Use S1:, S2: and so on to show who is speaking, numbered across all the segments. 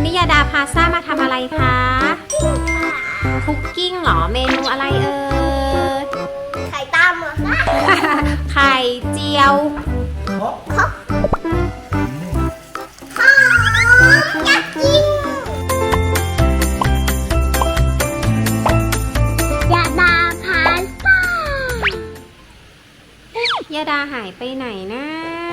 S1: วันนี้ยาดาพาซ่ามาทำอะไรคะคุกกิ้งเหรอเมนูอะไรเอ่ย
S2: ไข่ต้มเหรอคะ
S1: ไข่เจียว
S2: หอมอยากกินยาดาพาซ่
S1: ายาดาหายไปไหนนะ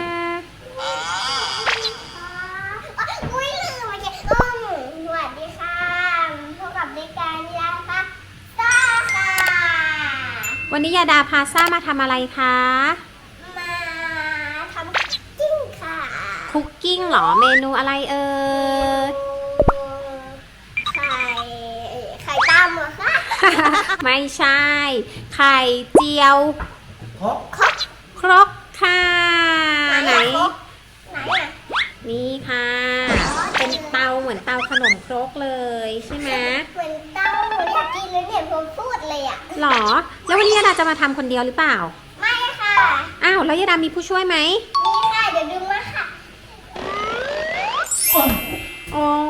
S2: อุ้ยลืมมาเก็บสวัสดีค่ะพบกับรายการยาพาซ่าค่ะ
S1: วันนี้ยาดาพาซ่ามาทำอะไรคะ
S2: มาทำคุกกิ้งค่ะ
S1: คุกกิ้งเหรอเมนูอะไรเอ่ย
S2: ไข่ต้มเหรอคะ
S1: ไม่ใช่ไข่เจียวครกค่ะไหนนี่ค่ะเป็นเตาเหมือนเตาขนมครกเลยใช่ไหม
S2: เหมือนเตาหนูอยากกินเลยเนี่ยผมพูดเลยอ่ะ
S1: หรอแล้ววันนี้ยาดาจะมาทำคนเดียวหรือเปล่า
S2: ไม่ค่ะ
S1: อ้าวแล้วยาดามีผู้ช่วยไหม
S2: มีค่ะเดี๋ยวดึงมาค่ะ
S1: อ๋อ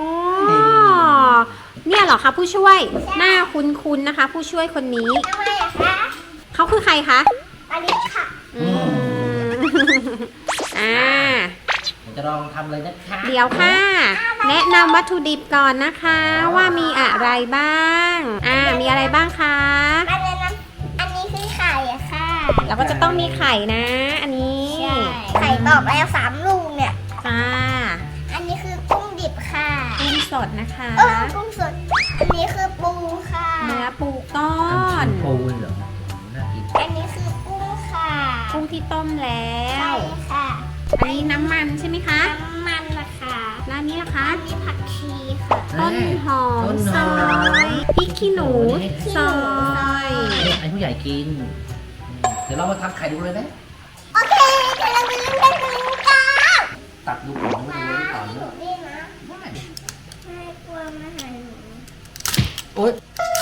S1: เนี่ยเหรอคะผู้ช่วยหน้าคุ้นๆนะคะผู้ช่วยคนนี้
S2: ทำไมอะคะ
S1: เขาคือใครคะ
S2: อลิสค่ะ
S3: จะลองทำเลยนะคะ
S1: เดี๋ยวค่ะแนะนำวัตถุดิบก่อนนะคะว่ามีอะไรบ้างมีอะไรบ้างคะ
S2: อันนี้คือไข่อะค่ะ
S1: แล้วก็จะต้องมีไข่นะอันนี้
S2: ไข่ตอกแล้ว3 ลูกเนี่ย
S1: จ้า
S2: อันนี้คือกุ้งดิบค่ะ
S1: กุ้งสดนะคะ
S2: กุ้งสดอันนี้คือปูค่ะ
S1: เนื้อปูก้อน
S3: ปูเหรอน่ากิน
S2: อันนี้คือกุ้งค่ะ
S1: กุ้งที่ต้มแล้ว
S2: ใช่ค่ะ
S1: อันนี้น้ำมันใช่ไหมคะ
S2: น้ำมันนะคะ
S1: แล้วอันนี้ล่ะคะ
S2: อันนี้ผักชีค่ะ
S1: ต้นหอมซอยพริกขี้หนูซอย
S3: ไอ้ผู้ใหญ่กินเดี๋ยวเรามาทำไข่ดูเลยไหม
S2: โอเคเดี๋ยวเราไปเล่นกันกัน
S3: ตักดูของดูก่อน
S2: นี่นะไม่กลัวมาหาหนู
S3: โอ๊ย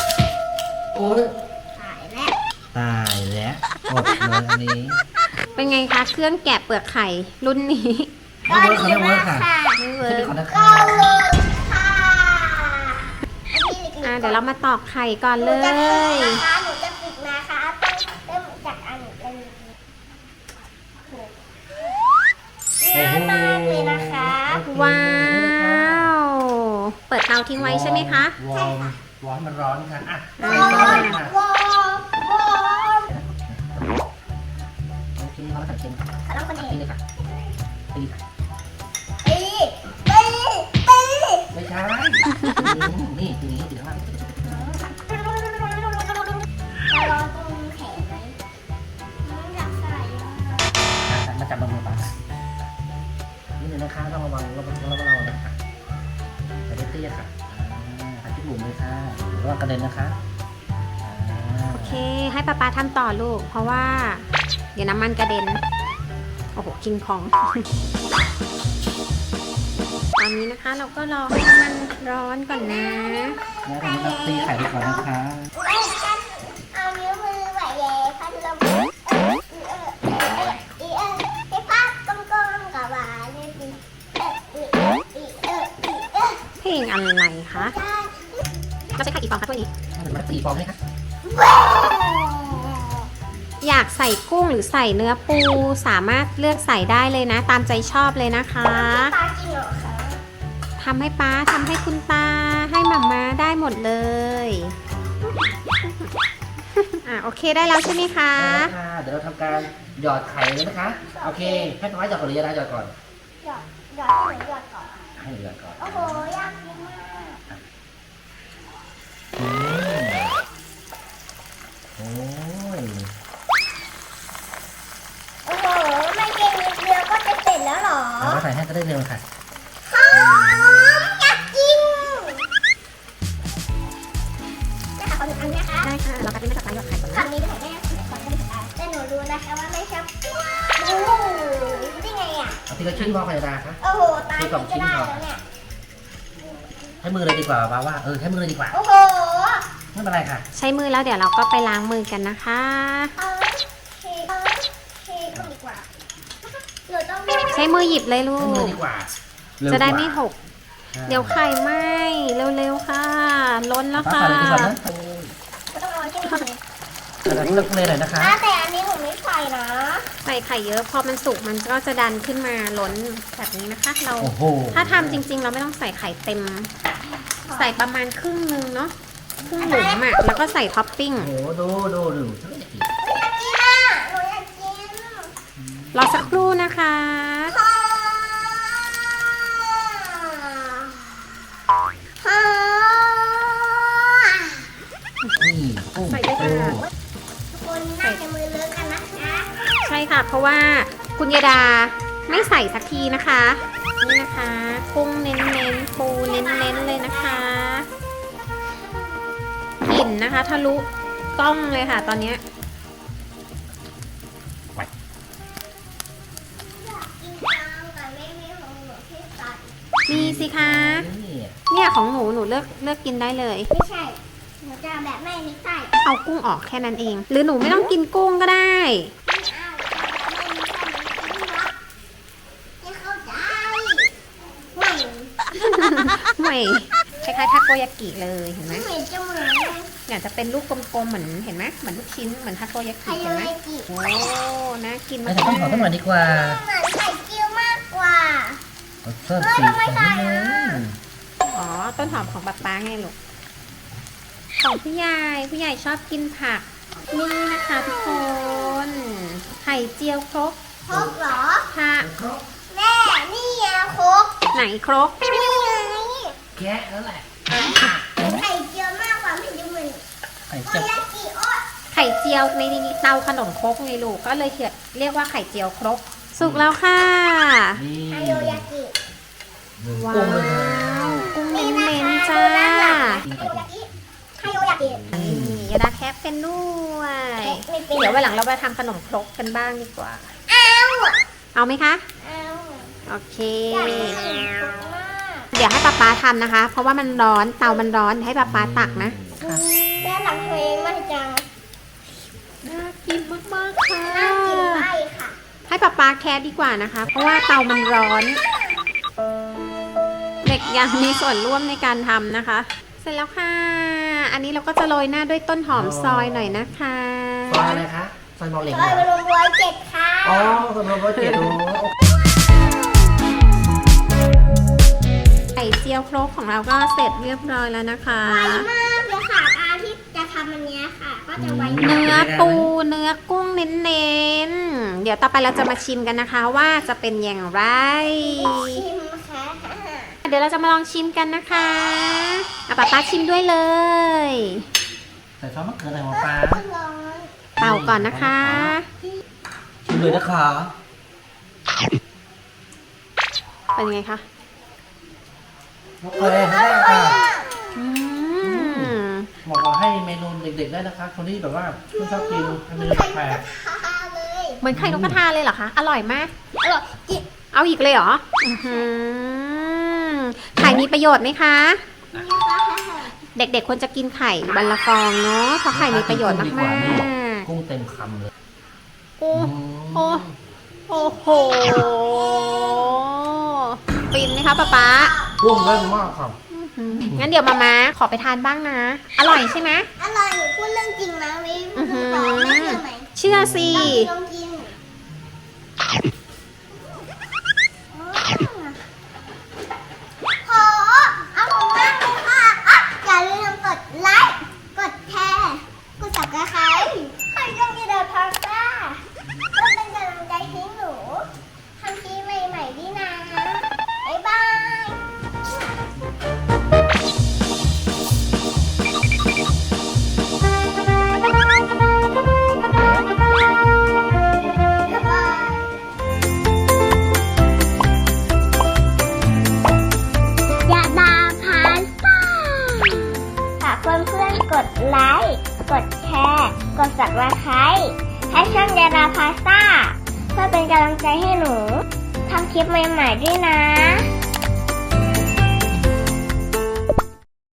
S2: ตายแล้ว
S3: อดเลยอันนี้
S1: เป็นไงคะเครื่องแกะเปลือกไข่รุ่นนี้
S3: ไม่เวิร์คเขาไม่เวิร์คค่ะ
S1: ไม่เวิร์ค
S2: ก็เวิร์คค่ะ
S1: เดี๋ยวเรามาตอกไข่ก่อนเลย
S2: หนูจะฝึกนะคะต้องเริ่มจากอันนี้เลยง่ายมากเลยนะคะ
S1: ว้าวเปิดเตาทิ้งไว้ใช่ไหมคะ
S3: วอร์มมันร้อนค่ะใส่ซอสเลยค่ะกินร้อนกับกินกินเลยค่ะตีค่ะไม่ใช่นี่ทีนี้ถือว่า
S2: ร้อนตรงแขนไหมอยากใส่
S3: มาจับมือปากนี่เลยนะคะต้องระวังนะคะแต่เตี้ยค่ะผัดที่บุ๋มเลยค่ะระวังกระเด็นนะคะ
S1: โอเคให้ป๊าทำต่อลูกเพราะว่าเดี๋ยวน้ำมันกระเด็นโอ้โหคิงพองตอนนี้นะคะเราก็รอให้น้ำมันร้อนก่อนนะ
S3: แล้วตอนนี้เราตีไข่ไปก่อนนะคะ
S2: เอานิ้วมือไหวเย่พัดลมให้ภาพกลมๆกับหวาน
S1: เพลงอะไรคะเราใช้ไข่กี่ฟองคะถ้วยนี้
S3: มา4 ฟองไหมคะ
S1: อยากใส่กุ้งหรือใส่เนื้อปูสามารถเลือกใส่ได้เลยนะตามใจชอบเลยนะคะทำให้ป๊าทำให้คุณตาให้หม่าม้าได้หมดเลยโอเคได้แล้วใช่ไหมคะ
S3: เดี๋ยวเราทำการหยอดไข่เลยนะคะโอเคให้ป๊าหยอดก่อนหรือยาดาหยอดก่อน
S2: หยอดก่อน
S3: ให้หยอดก่อน
S2: โอ้โหยากมาก
S3: โอ้ย
S2: โอ้โหไม่เก่งนิดเดียวก็จะเสร็จแล้วหรอ
S3: เราใส่ให้ก็ได้เร็วค่ะ
S2: อยากกินนะคะขอหนึ่งอันนะคะ
S1: ได้ค่ะเราก็จะไม่ตัดไม้หยอดไข่ก่อนนะ
S2: คำนี้จะใส่ได้แต่หนูรู้นะคะว่าไม่ชอบได้ไงอ่ะ
S3: ทีละชิ้นพอค่ะดาคะ
S2: โอ้โหตายก็ได้แล้วเนี่ย
S3: ให้มือเลยดีกว่าว่าใช้มือเลยดีกว่า
S2: โอ้โห
S3: ไม่เป็นไรค่ะ
S1: ใช้มือแล้วเดี๋ยวเราก็ไปล้างมือกันนะคะ
S2: ใช้
S1: มือหยิบเลยลูก
S3: ดีกว่า
S1: จะได้ไม่หกเดี๋ยวไข่ไหม้เร็วๆค่ะ ล้นแล้ว
S3: ป้า
S1: ค่ะ
S3: ใส่เลยดีกว่านะ
S2: ต้องเอาที่ไหน
S3: แต่เลือกเลยหน่อยนะคะ
S2: แต่อันนี้หนูไม่ใส่นะ
S1: ใส่ไข่เยอะพอมันสุกมันก็จะดันขึ้นมาล้นแบบนี้นะคะ เรา
S3: โอ้โห
S1: ถ้าทำจริงๆ เราไม่ต้องใส่ไข่เต็ม ใส่ประมาณครึ่งนึงเนาะครึ่งหลุมอ่ะแล้วก็ใส่ท็อปปิ้ง
S3: โอ้โหดูฉันก็อยากกิน
S2: อยากกินอ่ะหนูอยากกิน
S1: รอสักครู่นะคะ
S3: นี่กุ้ง
S1: ใส่ได้ค่ะ
S2: คนน่าจะมือเลอะกันนะคะ
S1: ใช่ค่ะ เพราะว่าคุณยาดาไม่ใส่สักทีนะคะ นี่นะคะกุ้งเน้นๆปูเน้นๆเลยนะคะกลิ่นนะคะทะลุกล้องเลยค่ะ ตอนเนี้ย
S2: กินข้าวกับแม่ไม่ของหนูที่ตัด
S1: มีสิคะ
S3: นี่
S1: เนี่ยของหนูเลือกกินได้เลย
S2: ไม่ใช่หนูจะแบบแม่ไม่ใส่
S1: เอากุ้งออกแค่นั้นเอง หรือหนูไม่ต้องกินกุ้งก็ได้
S2: ไม่เอาไม่เข้าใจไม่
S1: ไม่คล้ายๆทาโกยากิเลยเห็นไหม
S2: เหมือนจะเหมือน
S1: อยากจะเป็นลูกกลมๆเหมือนเห็นไหมเหมือนลูกชิ้นเหมือนทาโกยา
S2: ไข่
S1: กิเห็นไหม
S2: ยากิ
S1: โอ้น่ากิน
S3: ไม่
S1: มาก
S3: ใส่ต้นหอมต้นหน่อยดีกว่า
S2: เหมือนไข่เจียวมากกว่า
S3: เพิ่มสีสันนิดนึง
S1: อ๋อต้นหอมของป๊าป๊าไงลูกของผู้ใหญ่ชอบกินผักนี่นะคะทุกคนไข่เจียวครก
S2: ครกเหรอ
S1: ค่ะ
S2: แม่นี่ไงครก
S1: ไหนครก
S2: นี่ไง
S3: แกะแล้วแหละ
S2: ไข่เจียวมากกว่าไม่ดูเหมือน
S3: ไข่
S2: โอ
S3: เจียวย
S2: ากิโอ๊ย
S1: ไข่เจียวในเตาขนมครกไงลูกก็เลยเรียกว่าไข่เจียวครกสุกแล้วค่ะ
S3: นี่
S2: ไฮโยยากิ
S1: ว้า
S3: กุ้งเลยนะ
S1: วกุ้งเน้นๆจ้า
S2: ไฮโยยากิไฮโยยากิ
S1: นี่ยาดาแคปเป็นด้วย
S2: ไม่เป็น
S1: เดี๋ยววันหลังเราไปทำขนมครกกันบ้างดีกว่า
S2: เอา
S1: เอาไหมคะ
S2: เอา
S1: โอเค
S2: อยากกินครกมาก
S1: เดี๋ยวให้ป๊าป๊าทำนะคะ เพราะว่ามันร้อนเตามันร้อนให้ป๊าป๊าตักนะ
S2: ด้านหลังตัวเองมันจัง
S1: น่ากินมากๆค่ะ
S2: น่ากินไปค่ะ
S1: ให้ป๊าป๊าแคสดีกว่านะคะ เพราะว่าเตามันร้อน เด็กยังมีส่วนร่วมในการทำนะคะ เสร็จแล้วค่ะ อันนี้เราก็จะโรยหน้าด้วยต้นหอมซอยหน่อยนะคะ
S3: ซอยอะไรคะซอยบอลเหล็ก
S2: ซอยบรม107ค่ะ
S3: อ๋อซอยบอลเจ็ดโอ้
S1: ไข่เจียวครกของเราก็เสร็จเรียบร้อยแล้วนะคะ
S2: ไวมากเลยค่ะการที่จะทำอันเนี้ยค่ะ ก็จะไว
S1: เนื้อปูเนื้อกุ้งเน้นๆ เดี๋ยวต่อไปเราจะมาชิมกันนะคะว่าจะเป็นอย่างไร
S2: ชิมค่ะ
S1: เดี๋ยวเราจะมาลองชิมกันนะคะเอาป๊าป๊าชิมด้วยเลย
S3: ใส่ซอสมะเขือใส่หัวปลา
S2: ร้อน
S1: เป่าก่อนนะคะ
S3: ชิมเลยนะคะ
S1: เป็นไงคะ
S3: โอเคได้ค่ะ
S1: อืม
S3: บอกว่าให้เมนูเด็กๆได้นะคะ คนที่แบบว่าไม่ชอบกินทำเมนูแปลก
S2: ทาเลย
S1: เหมือนไข่นกกระทาเลยเหรอคะ อร่อยมาก
S2: อร่อยจิบ
S1: เอาอีกเลยเหรออื้อหือไข่มีประโยชน์ไหมคะ เด็กๆควรจะกินไข่วันละฟองเนาะ เพราะไข่มีประโยชน์มาก
S3: กุ้งเต็มคำเลย
S1: ๆ โอ้โอ้โอ้โหฟินไหมคะป๊าป๊า
S3: กุ้งเล่นมากครับ
S1: งั้นเดี๋ยวมาขอไปทานบ้างนะ อร่อยใช่ไหม
S2: อร่อยหนูพูดเรื่องจริงนะไม่พูดต่อไม่เชื่อไหม
S1: เชื่อสิ
S2: ลองกินโหอร่อยมากเลยค่ะอ่ะอย่าลืมกดไลค์ กดแชร์ กด subscribe ให้ช่องยีเดอร์พาสต้าเพื่อเป็นกำลังใจให้หนูทำคลิปใหม่ๆด้วยนะ บ๊ายบาย ยาดาพาสต้าฝากเพื่อนๆกดไลค์ กดแชร์ กด subscribe ให้ช่องยาดาพาสต้าเพื่อเป็นกำลังใจให้หนูทำคลิปใหม่ๆด้วยนะ